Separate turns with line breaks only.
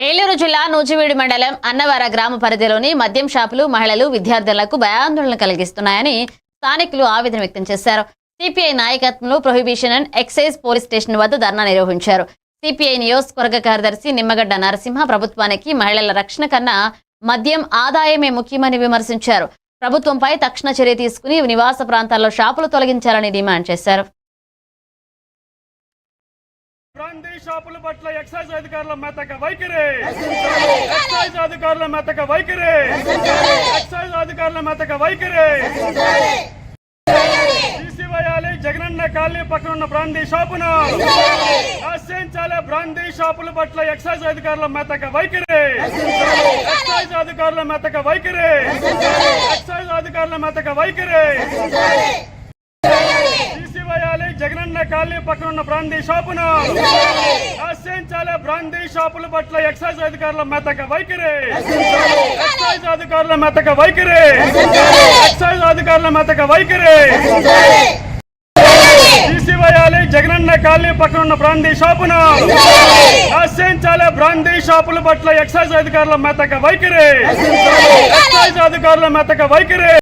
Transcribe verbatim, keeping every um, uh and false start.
ఏలూరు జిల్లా నూజివీడు మండలం అన్నవర గ్రామ పరిధిలోని మద్యం షాపులు మహిళలు విద్యార్థులకు భయాందోళన కలిగిస్తున్నాయని స్థానికులు ఆవేదన వ్యక్తం చేశారు. సిపిఐ నాయకత్వంలో prohibition and excise police station వద్ద ధర్నా నిర్వహించారు. సిపిఐ నియోజకవర్గ కార్యదర్శి నిమ్మగడ్డ నరసింహ ప్రభుత్వానికి మహిళల రక్షణ కన్నా మద్యం ఆదాయమే ముఖ్యమని విమర్శించారు. ప్రభుత్వంపై తక్షణ చర్య తీసుకుని నివాస ప్రాంతాల్లో షాపులు తొలగించాలని డిమాండ్ చేశారు.
బ్రాందీ షాపుల పట్ల ఎక్సైజ్ అధికారుల మెతక వైఖరి ఎక్సైజ్ అధికారుల మెతక వైఖరి ఎక్సైజ్ అధికారుల మెతక వైఖరి తీసివేయాలి. జగనన్న కాలనీ పక్కన ఉన్న బ్రాందీ షాపును నశించాలి. బ్రాందీ షాపుల పట్ల ఎక్సైజ్ అధికారుల మెతక వైఖరి ఎక్సైజ్ అధికారుల మెతక వైఖరి ఎక్సైజ్ అధికారుల మెతక వైఖరి తీసివేయాలి. జగనన్న కాలనీ పక్కన ఉన్న బ్రాందీ షాపును నశించాలి. బ్రాందీ షాపుల పట్ల ఎక్సైజ్ అధికారుల మెతక వైఖరి ఎక్సైజ్ అధికారుల మెతక వైఖరి ఎక్సైజ్ అధికారుల మెతక వైఖరి తీసివేయాలి. జగనన్న కాలనీ పక్కన ఉన్న బ్రాందీ షాపును నశించాలి. బ్రాందీ షాపుల పట్ల ఎక్సైజ్ అధికారుల మెతక వైఖరి ఎక్సైజ్ అధికారుల మెతక వైఖరి